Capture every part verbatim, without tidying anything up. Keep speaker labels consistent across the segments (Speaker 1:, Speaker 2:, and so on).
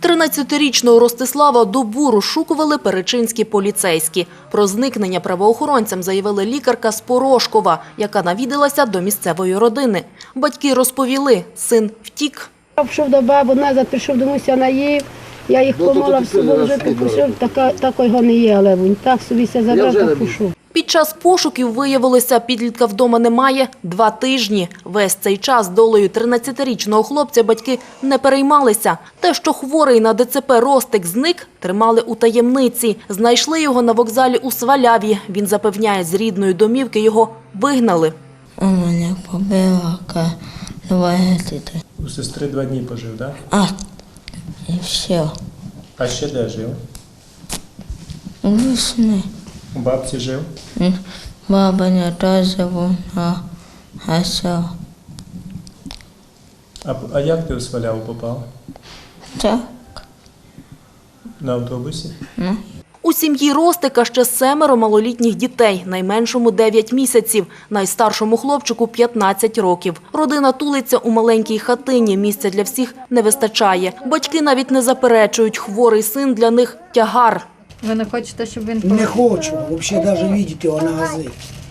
Speaker 1: тринадцятирічного Ростислава добу розшукували перечинські поліцейські. Про зникнення правоохоронцям заявила лікарка з Порошкова, яка навідалася до місцевої родини. Батьки розповіли, син втік.
Speaker 2: Я пішов до бабу, назад прийшов домусь, я наїв. Я їх помила, в собою вже пішов, такого не є, але він так собі все забрав, так пішов.
Speaker 1: Під час пошуків виявилося, підлітка вдома немає два тижні. Весь цей час долею тринадцятирічного хлопця батьки не переймалися. Те, що хворий на ДЦП Ростик зник, тримали у таємниці. Знайшли його на вокзалі у Сваляві. Він запевняє, з рідної домівки його вигнали.
Speaker 3: У мене побила два діти.
Speaker 4: У сестри два дні пожив, так?
Speaker 3: А, і все.
Speaker 4: А ще де жив?
Speaker 3: У весни.
Speaker 4: У бабці жив?
Speaker 3: Баба не теж вона, а все.
Speaker 4: А, а як ти у Сваляву попав?
Speaker 3: Так.
Speaker 4: На автобусі?
Speaker 3: Ну.
Speaker 1: У сім'ї Ростика ще семеро малолітніх дітей, найменшому дев'ять місяців, найстаршому хлопчику п'ятнадцять років. Родина тулиться у маленькій хатині, місця для всіх не вистачає. Батьки навіть не заперечують, хворий син для них – тягар.
Speaker 5: Ви не хочете, щоб він...
Speaker 6: Не хочу, взагалі навіть бачити його на газі.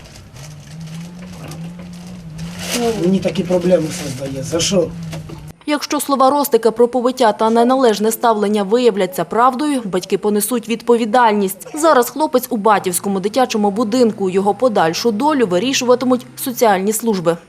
Speaker 6: Мені такі проблеми створює. За що?
Speaker 1: Якщо слова Ростика про побиття та неналежне ставлення виявляться правдою, батьки понесуть відповідальність. Зараз хлопець у Батівському дитячому будинку. Його подальшу долю вирішуватимуть соціальні служби.